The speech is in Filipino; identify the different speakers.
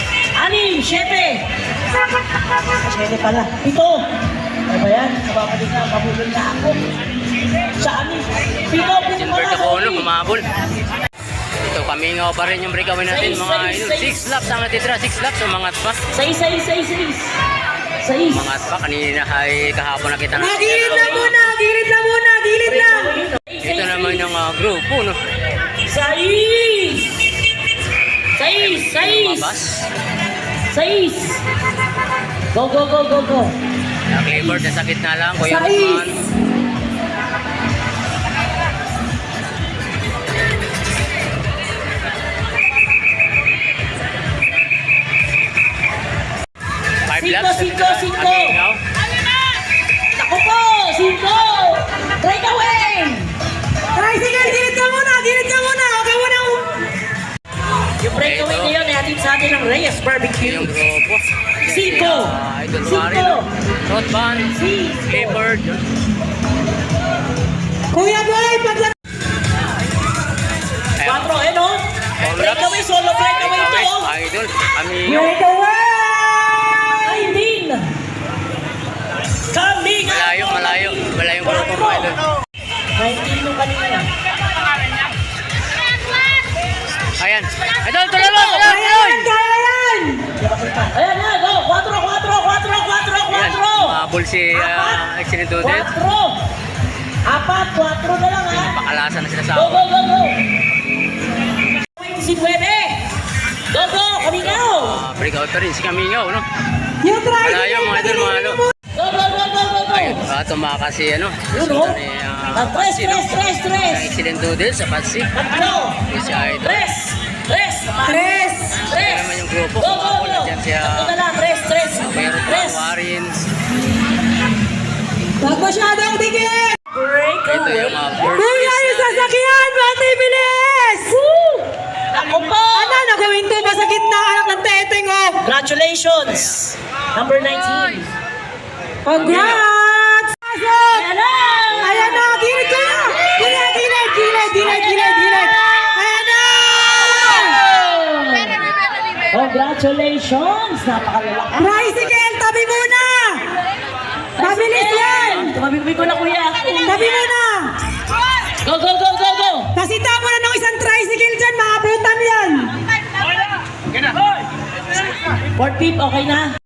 Speaker 1: 6, 7. 7 pala. 7. Ano ba yan? Kababalik na, mabulol na ako. Sa amin. 7,
Speaker 2: Silver to Bono, humabol. Ito, kamingaw pa rin yung breakaway natin mga idol. 6 laps ang natitira, 6 laps, umangat pa.
Speaker 1: 6.
Speaker 2: Umangat pa, kanina ay kahapon nakita natin.
Speaker 3: Gilid lang muna, gilid lang muna, gilid lang.
Speaker 2: Ito naman yung grupo, no?
Speaker 1: 6.
Speaker 2: Lumabas.
Speaker 1: 6. Go.
Speaker 2: Naklivered, nasa gitna lang, Kuya
Speaker 3: Sais.
Speaker 2: Rodman. Five laps,
Speaker 1: Cinco.
Speaker 2: kamingaw.
Speaker 1: Ako po, 5. Breakaway.
Speaker 3: Tricycle, gilid ka muna, okay muna.
Speaker 1: Yung breakaway
Speaker 2: Ito.
Speaker 1: ngayon ay hatid sa atin ng Reyes Barbecue.
Speaker 2: Yung grupo.
Speaker 1: Cinco.
Speaker 2: Idol
Speaker 1: Cinco.
Speaker 2: Wari, no? Rodman,
Speaker 1: Cinco.
Speaker 2: Clifford.
Speaker 3: Kuya Boy, pagla...
Speaker 1: 4, eh no? Breakaway, solo breakaway to.
Speaker 2: Idol, kamingaw.
Speaker 3: Breakaway!
Speaker 1: 19. Coming up.
Speaker 2: Malayo yung grupo mo, idol.
Speaker 1: 19 yung kanina.
Speaker 2: Ayan. Idol, tuloy mo!
Speaker 3: Kaya yan, kaya yan!
Speaker 1: Ayan na, go. 4.
Speaker 2: Ayan, mahabol si Excellent Dudel.
Speaker 1: 4. 4 na lang ha.
Speaker 2: Pakalasan na sila sa
Speaker 1: Go.
Speaker 2: ako.
Speaker 1: 29. Go, kamingaw.
Speaker 2: Breakout pa rin si Kamingaw, no?
Speaker 3: Yung tricycle,
Speaker 2: Malayo mga idol, mga ano.
Speaker 1: Go.
Speaker 2: Ayun, tumakas si ano.
Speaker 1: Yun o.
Speaker 2: Sundan ni
Speaker 1: Tres.
Speaker 2: Excellent Dudel sa Patsi.
Speaker 1: 3.
Speaker 2: Yung si Idol.
Speaker 1: Tres.
Speaker 2: Kaya naman yung grupo.
Speaker 1: Go.
Speaker 2: Kumapol na dyan siya.
Speaker 1: Tatlo na lang, tres.
Speaker 2: Meron pa Warin.
Speaker 3: Huwag masyadong dikit!
Speaker 2: Ito yung first
Speaker 3: Kuya,
Speaker 2: race
Speaker 3: yung
Speaker 2: natin.
Speaker 3: sasakyan! Pati bilis!
Speaker 1: Ako po.
Speaker 3: Ano, nagawin to ba sa gitna anak ng teteng, oh?
Speaker 1: Congratulations. Number 19.
Speaker 3: Congrats!
Speaker 1: Ayan na.
Speaker 3: Ayan na, gilid ka na! Gilid! Ayan na!
Speaker 1: Congratulations. Napakalalaki.
Speaker 3: Tricycle, tabi muna! Mabilis yan!
Speaker 1: Tumabi ko na kuya.
Speaker 3: Tabi muna!
Speaker 1: Go.
Speaker 3: Pasita mo na ng isang tricycle dyan, maabutan yan!
Speaker 1: 4 pip, okay na.